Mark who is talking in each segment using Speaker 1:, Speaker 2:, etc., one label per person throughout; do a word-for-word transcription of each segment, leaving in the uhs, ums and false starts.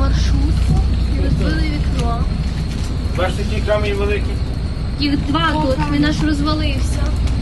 Speaker 1: маршрутку і розбили вікно.
Speaker 2: Бачите, ті камінь великі?
Speaker 1: Їх два тут, він аж розвалився.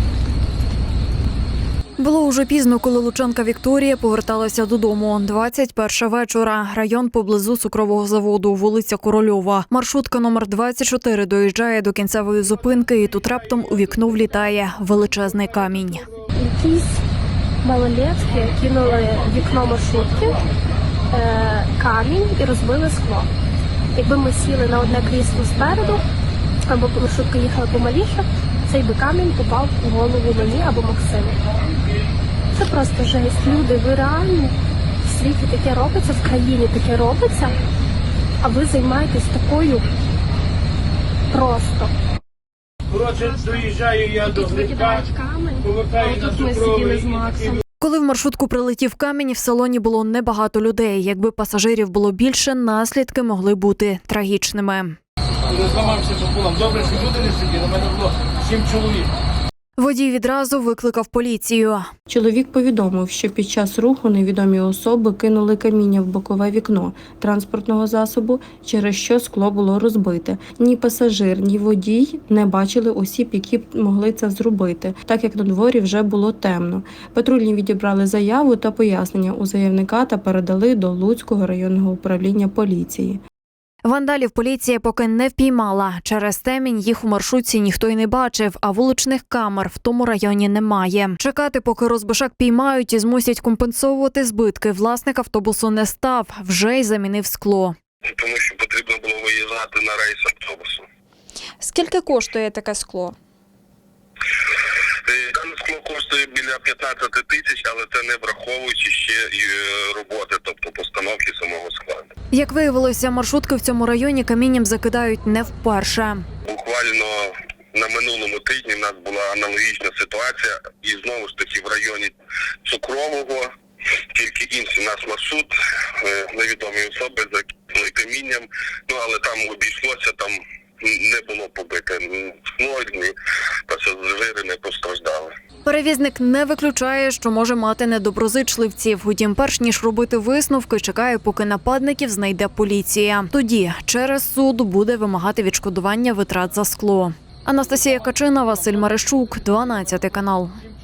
Speaker 3: Було уже пізно, коли лучанка Вікторія поверталася додому. двадцять перша вечора. Район поблизу цукрового заводу, вулиця Корольова. Маршрутка номер двадцять чотири доїжджає до кінцевої зупинки, і тут раптом у вікно влітає величезний камінь.
Speaker 1: Якісь малолетки кинули в вікно маршрутки е, камінь і розбили скло. Якби ми сіли на одне крісло спереду, або маршрутка їхала помаліше, цей би камінь попав у голову мені або Максиму. Це просто жесть. Люди, ви реально в світі таке робиться, в країні таке робиться, а ви займаєтесь такою просто.
Speaker 2: Коротше, доїжджаю я до
Speaker 1: Тут
Speaker 2: Грибка,
Speaker 1: викидають камінь, а
Speaker 2: повертаю на
Speaker 1: отут ми сиділи з
Speaker 2: цукровий.
Speaker 1: Максом.
Speaker 3: Коли в маршрутку прилетів камінь, в салоні було небагато людей. Якби пасажирів було більше, наслідки могли бути трагічними.
Speaker 2: Не зламався пополам. Добре, що люди не сиділи, у мене було сім чоловік.
Speaker 3: Водій відразу викликав поліцію.
Speaker 4: Чоловік повідомив, що під час руху невідомі особи кинули каміння в бокове вікно транспортного засобу, через що скло було розбите. Ні пасажир, ні водій не бачили осіб, які б могли це зробити, так як на дворі вже було темно. Патрульні відібрали заяву та пояснення у заявника та передали до Луцького районного управління поліції.
Speaker 3: Вандалів поліція поки не впіймала. Через темінь їх у маршрутці ніхто й не бачив, а вуличних камер в тому районі немає. Чекати, поки розбишак піймають і змусять компенсовувати збитки, власник автобусу не став, вже й замінив скло.
Speaker 5: Тому що потрібно було виїжджати на рейс автобусу.
Speaker 3: Скільки коштує таке скло?
Speaker 5: Дане скло коштує біля п'ятнадцять тисяч, але це не враховуючи ще і роботи, тобто постановки самого складу.
Speaker 3: Як виявилося, маршрутки в цьому районі камінням закидають не вперше.
Speaker 5: Буквально на минулому тижні в нас була аналогічна ситуація, і знову ж таки в районі Цукрового, тільки інший наш маршрут, невідомі особи закинули камінням, ну але там обійшлося, там не було побите скло, ні пасажири не постраждали.
Speaker 3: Перевізник не виключає, що може мати недоброзичливців. Утім, перш ніж робити висновки, чекає, поки нападників знайде поліція. Тоді через суд буде вимагати відшкодування витрат за скло. Анастасія Качина, Василь Марищук, дванадцятий канал.